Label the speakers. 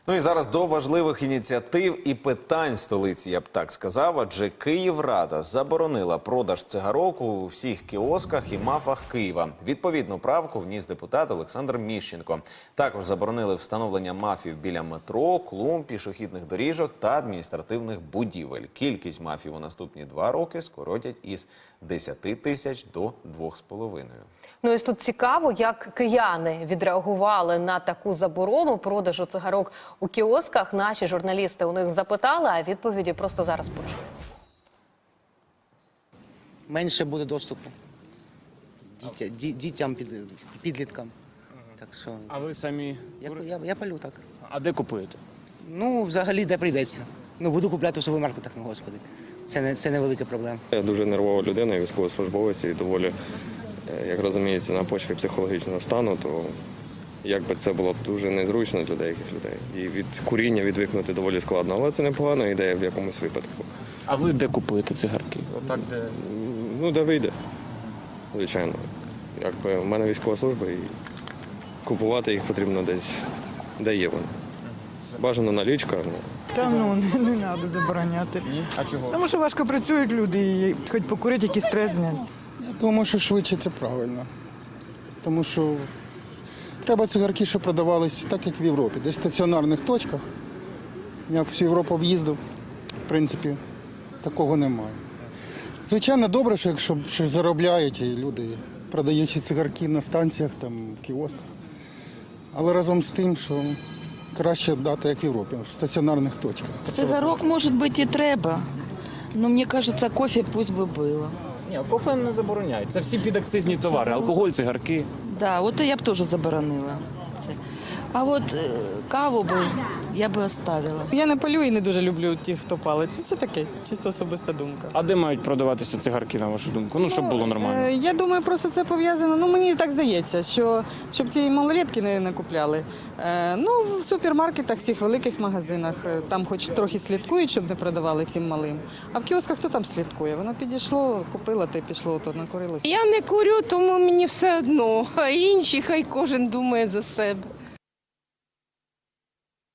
Speaker 1: Ну і зараз до важливих ініціатив і питань столиці, я б так сказав, адже Київрада заборонила продаж цигарок у всіх кіосках і МАФах Києва. Відповідну правку вніс депутат Олександр Міщенко. Також заборонили встановлення МАФів біля метро, клумб, пішохідних доріжок та адміністративних будівель. Кількість МАФів у наступні 2 роки скоротять із 10 тисяч до 2,5.
Speaker 2: Ну і тут цікаво, як кияни відреагували на таку заборону продажу цигарок у кіосках. Наші журналісти у них запитали, а відповіді просто зараз почуємо.
Speaker 3: Менше буде доступу дітям, підліткам. Так що
Speaker 4: А ви самі?
Speaker 3: я палю так.
Speaker 4: А де купуєте?
Speaker 3: Ну, взагалі, де прийдеться. Ну, буду купляти в супермаркетах, ну, господи. Це не велика проблема.
Speaker 5: Я дуже нервова людина, військовослужбовець і доволі, як розумієте, на почві психологічного стану, то якби це було б дуже незручно для деяких людей. І від куріння відвикнути доволі складно, але це непогана ідея в якомусь випадку.
Speaker 4: А ви де купуєте цигарки? Отак, де?
Speaker 5: Ну, де вийде, звичайно. Якби в мене військова служба і купувати їх потрібно десь, де є вони. Бажано налічка.
Speaker 6: Та ну, не треба забороняти.
Speaker 4: А чого?
Speaker 6: Тому що важко працюють люди і хоч покурити, якийсь стрес зняти.
Speaker 7: Я думаю, що швидше це правильно. Тому що треба цигарки, щоб продавались так, як в Європі. Десь в стаціонарних точках. Я всю Європу об'їздив, в принципі, такого немає. Звичайно, добре, що якщо щось заробляють і люди, продаючи цигарки на станціях, там, кіосках. Але разом з тим, що краще дати, як в Європі, в стаціонарних точках.
Speaker 8: Цигарок, может быть, и треба, но мне кажется, кофе пусть бы было.
Speaker 4: Ні, кофе не забороняють. Це всі підакцизні товари. Алкоголь, цигарки.
Speaker 8: Да, вот я б тоже заборонила. Це. А от каву би я би оставила.
Speaker 6: Я не палю і не дуже люблю тих, хто палить. Це таке, чисто особиста думка.
Speaker 4: А де мають продаватися цигарки, на вашу думку? Ну, щоб було нормально.
Speaker 6: Я думаю, просто це пов'язано, ну мені так здається, що щоб ці малолетки не купляли. Ну, в супермаркетах, в цих великих магазинах, там хоч трохи слідкують, щоб не продавали цим малим. А в кіосках хто там слідкує? Воно підійшло, купила, та й пішло, то накурилося.
Speaker 9: Я не курю, тому мені все одно, а інші хай кожен думає за себе.